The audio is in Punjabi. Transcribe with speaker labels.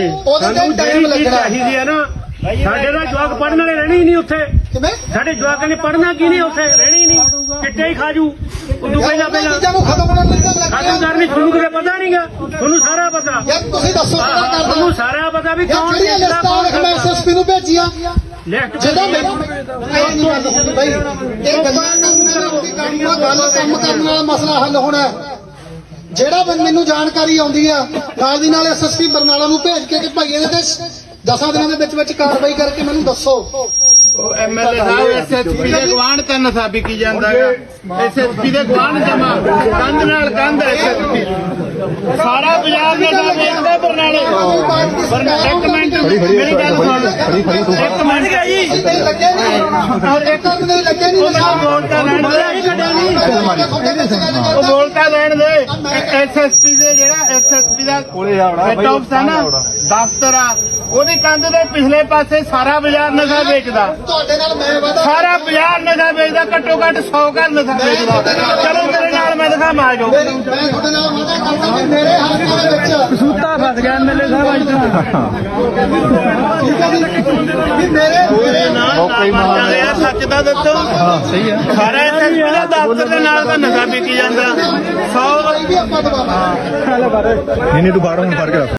Speaker 1: ਸਾਨੂੰ ਟਾਈਮ ਲੱਗਣਾ ਚਾਹੀਦੀ ਹੈ ਨਾ। ਸਾਡੇ ਦਾ ਜਵਾਕ ਪੜ੍ਹਨ ਵਾਲੇ ਰਹਿਣੇ ਹੀ ਨਹੀਂ ਉੱਥੇ। ਸਾਡੇ ਜਵਾਕਾਂ ਨੇ ਪੜ੍ਹਨਾ ਕੀ ਨਹੀਂ ਉੱਥੇ, ਰਹਿਣੇ ਹੀ ਨਹੀਂ, ਚਿੱਟੇ ਹੀ ਖਾਜੂ। ਉਦੋਂ ਪਹਿਲਾਂ ਖਤਮ ਕਰਨੀ ਤੁਹਾਨੂੰ ਕਿਤੇ ਪਤਾ ਨਹੀਂਗਾ, ਤੁਹਾਨੂੰ ਸਾਰਾ ਪਤਾ।
Speaker 2: ਤੁਸੀਂ ਦੱਸੋ
Speaker 1: ਤੁਹਾਨੂੰ ਸਾਰਾ ਪਤਾ ਵੀ ਕੌਣ
Speaker 2: ਮੈਂ ਐਸਐਸਪੀ ਨੂੰ ਭੇਜੀਆਂ ਜਿਹੜਾ ਬਈ ਇਹ ਗੱਲ ਕੰਮ ਕਰਨ ਵਾਲਾ ਮਸਲਾ ਹੱਲ ਹੋਣਾ। ਜਿਹੜਾ ਮੈਨੂੰ ਜਾਣਕਾਰੀ ਆਉਂਦੀ ਆ ਨਾਲ ਦੀ ਨਾਲ ਐਸਐਸਪੀ ਬਰਨਾਲਾ ਨੂੰ ਭੇਜ ਕੇ ਕਿ ਭਾਈ ਇਹਦੇ ਤੇ 10 ਦਿਨਾਂ ਦੇ ਵਿੱਚ ਕਾਰਵਾਈ ਕਰਕੇ ਮੈਨੂੰ ਦੱਸੋ।
Speaker 3: ਐਮਐਲਏ ਸਾਹਿਬ ਐਸਐਸਪੀ ਦੇ ਗਵਾਂਢ ਤੇ ਨਸ਼ਾ ਵਿਕੀ ਜਾਂਦਾ ਹੈ। ਐਸਐਸਪੀ ਦੇ ਗਵਾਂਢ ਜਮਾ ਕੰਧ ਨਾਲ ਕੰਧ ਐਸਐਸਪੀ ਸਾਰਾ ਬਾਜ਼ਾਰ ਨਸ਼ਾ ਵੇਚਦਾ ਬਰਨਾਲੇ। ਇੱਕ ਮਿੰਟ ਮੇਰੀ ਗੱਲ ਸੁਣ, ਇੱਕ ਮਿੰਟ ਜੀ ਉਹ ਬੋਲਤਾ ਲੈਣ ਦੇ। ਐਸਐਸਪੀ ਦੇ ਜਿਹੜਾ ਐਸਐਸਪੀ ਦਾ ਹੈੱਡ ਆਫਿਸ ਹੈ ਨਾ, ਦਫ਼ਤਰ ਆ, ਉਹਦੀ ਕੰਧ ਦੇ ਪਿਛਲੇ ਪਾਸੇ ਸਾਰਾ ਬਾਜ਼ਾਰ ਨਸ਼ਾ ਵੇਚਦਾ। ਸਾਰਾ ਬਾਜ਼ਾਰ ਨਸ਼ਾ ਵੇਚਦਾ, ਘੱਟੋ ਘੱਟ 100 ਘਰ ਨਸ਼ਾ ਵੇਚਦਾ। ਚਲੋ ਤੇਰੇ ਨਾਲ ਮੈਂ ਦਿਖਾਵਾਂ, ਆ ਜਾਓ।
Speaker 1: ਕਸੂਤਾ ਫਸ ਗਿਆ ਐਮਐਲਏ ਸਾਹਿਬ ਅੱਜ ਤਾਂ। ਸੱਚ ਦਾ ਦੱਸੋ।
Speaker 3: ਸਹੀ ਹੈ।
Speaker 1: ਸਾਰਾ ਐਸਐਸਪੀ ਦਾ ਦਫ਼ਤਰ ਦੇ ਨਾਲ ਦਾ ਨਸ਼ਾ ਵਿਕੀ ਜਾਂਦਾ 100।
Speaker 3: ਨਹੀਂ ਤੂੰ ਬਾਹਰੋਂ ਫੜ ਕੇ ਰੱਖ।